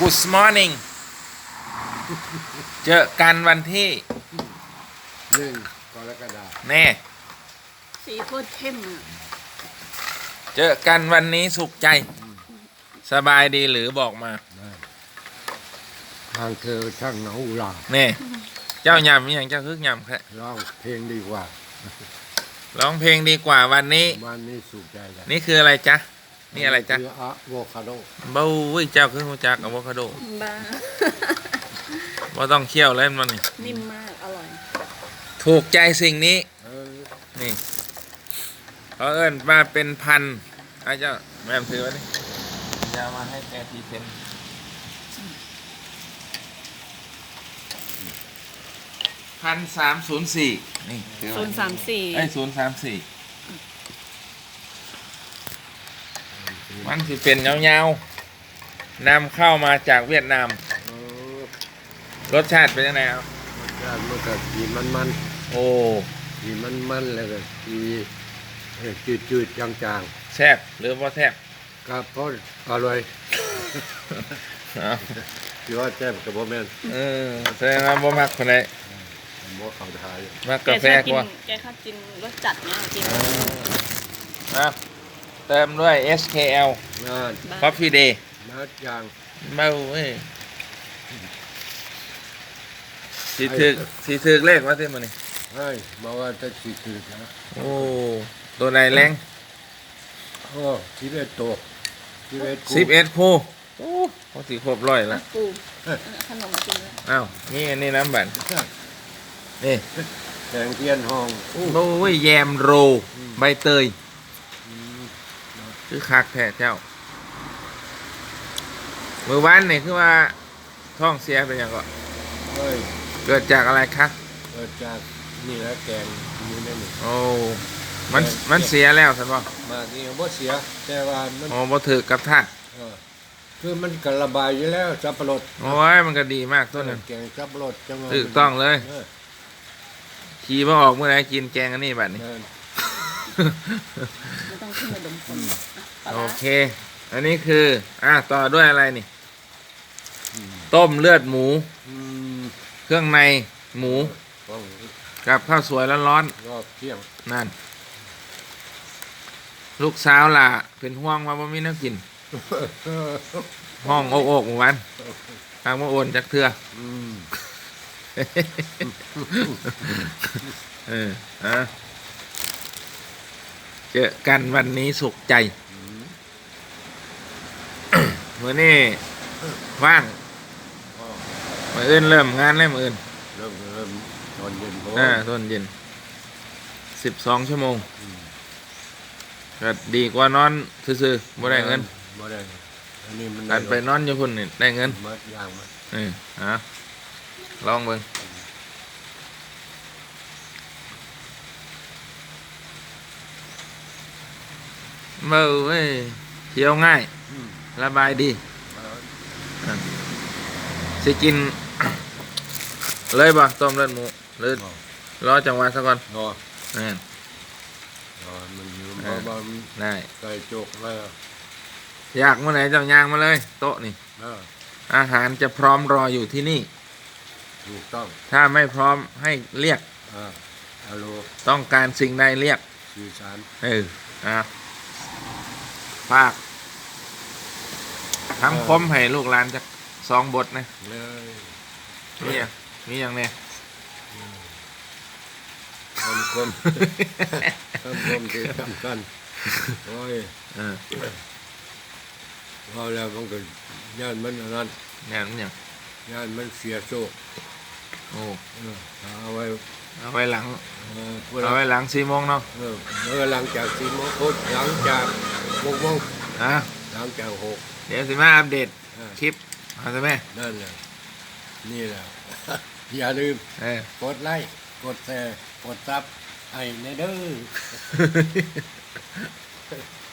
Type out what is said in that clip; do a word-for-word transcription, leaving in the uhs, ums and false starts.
Good morning เจอกันวันที่หนึ่งกรกฎาคมแน่สีโคตรเข้มอ่ะเจอกันวันนี้สุขใจสบายดีหรือบอกมาทางเธอช่างหนาอุลาแน่เจ้ายำมีอย่างเจ้าคึกยำแค่ร้องเพลงดีกว่าร้องเพลงดีกว่าวันนี้วันนี้สุขใจแล้วนี่คืออะไรจ๊ะนี่อะไรจ๊ะคืออะโวคาโดบ้าวิเจ้าคือหัวจักอะโวคาโดบ้าว่าต้องเคี่ยวเล่นมันนี่นิ่มมากอร่อยถูกใจสิ่งนี้นี่เขาเอิ้นมาเป็นพันไอ้เจ้าแม่ถือไว้นี่จะมาให้แกทีเซนพันสามศูนย์สี่นี่ศูนย์สามสี่ไอ้ศูนย์สามสี่มันสิเป็นเงาๆนำเข้ามาจากเวียดนามรสชาติเป็นยังไงครับรสชาติมันก็สีมันๆโอ้สีมันๆแล้วก็สีจืดๆจางๆแซ่บหรือว่าแซ่บก็พออร่อยที่ว่าแซ่บกับบ่แม่นเออแสดงว่าบ่มักคนใดบ่เข้าทายมักกาแฟกว่าแกชอบกินรสจัดเนี่ยจริงนะเติมด้วย เอส เค แอล Coffee Day นัดยางเมาเว้ยสีถึกสีถึกเลขว่าที่มันนี่เฮ้ยมาว่าจะสีถึกนะโอ้ตัวไหนแรงโอ้สิบเอ็ดตัวสิบเอ็ดคู่สิบเอ็ดคู่โอ้เขาสีครบร้อยละปูขนมมากินแล้วอ้าวนี่อันนี้น้ำบั่นนี่แกงเทียนห้องโอ้ยแยมโรใบเตยคือคักแท้เจ้าเมื่อวานนี่คือว่าท้องเสียเป็นยังไงเกิดจากอะไรคะเกิดจากนี่แหละแกงอยู่ในนี่โอ้มันมันเสียแล้วใช่ป่ะมานี่บ่เสียแต่ว่ามันอ๋อบ่ถือกับท่าคือมันก็ระบายอยู่แล้วสับปะรดโอ้ยมันก็ดีมากตัวนึงแกงสับปะรดจังถูกต้องเลยขี่มาออกเมื่อไหร่กินแกงอันนี้บัดนี้ไม่ต้องขึ้นมาดมคนโอเคอันนี้คืออ่ะต่อด้วยอะไรนี่ต้มเลือดหมูเครื่องในหมูกับข้าวสวยร้อนๆรอบเที่ยงนั่นลูกสาวล่ะเป็นห่วงว่าบ่มีน้ำกินห้องโอกโอกวันทางมาโอนจากเถื่อเอออะเจอกันวันนี้สุขใจเมื่อนี้ว่างมื่ออื่นเริ่มงานแล้วมื่ออื่นเริ่มเริ่มตอนเย็นอ่าตอนเย็นสิบสองชั่วโมงก็ดีกว่านอนซื่อๆบ่ได้เงินบ่ได้อันนี้มันการไปนอนอยู่พุ่นนี่ได้เงินมัดยางมัดเออฮะลองเบิ่งเมื่อเว้ยเที่ยวง่ายระบายดีสิกินเลยบ่ต้มเลือดหมูหรือรอจังหวะซะก่อนรอนั่นรอมันอยู่บ่บ่ได้ไก่จกแล้วอยากเมื่อไหร่เจ้าย่างมาเลยโต๊ะนี่อาหารจะพร้อมรออยู่ที่นี่ถูกต้องถ้าไม่พร้อมให้เรียกอ่าฮัลโหลต้องการสิ่งใดเรียกสื่อสารเอออ่ะฝากทำคมให้ลูกหลานจากสองบทนะมีอย่างมีอย่างเนี่ยทำคมทำคมที่สำคัญโอ้ยพอแล้วมันก็ย่านมันนั้นย่านมันอย่างย่านมันเสียโชคโอ้เอาไว้เอาไว้หลังเอาไว้หลังสี่โมงเนาะเออเมื่อหลังจากสี่โมงพุธหลังจากหกโมงอ่ะหลังจากหกเดี๋ยวสิมาอัปเดตคลิปเอาใช่ไหมนั่นแหละนี่แหละอย่าลืมกดไลค์กดแชร์กดซับให้ในเด้อ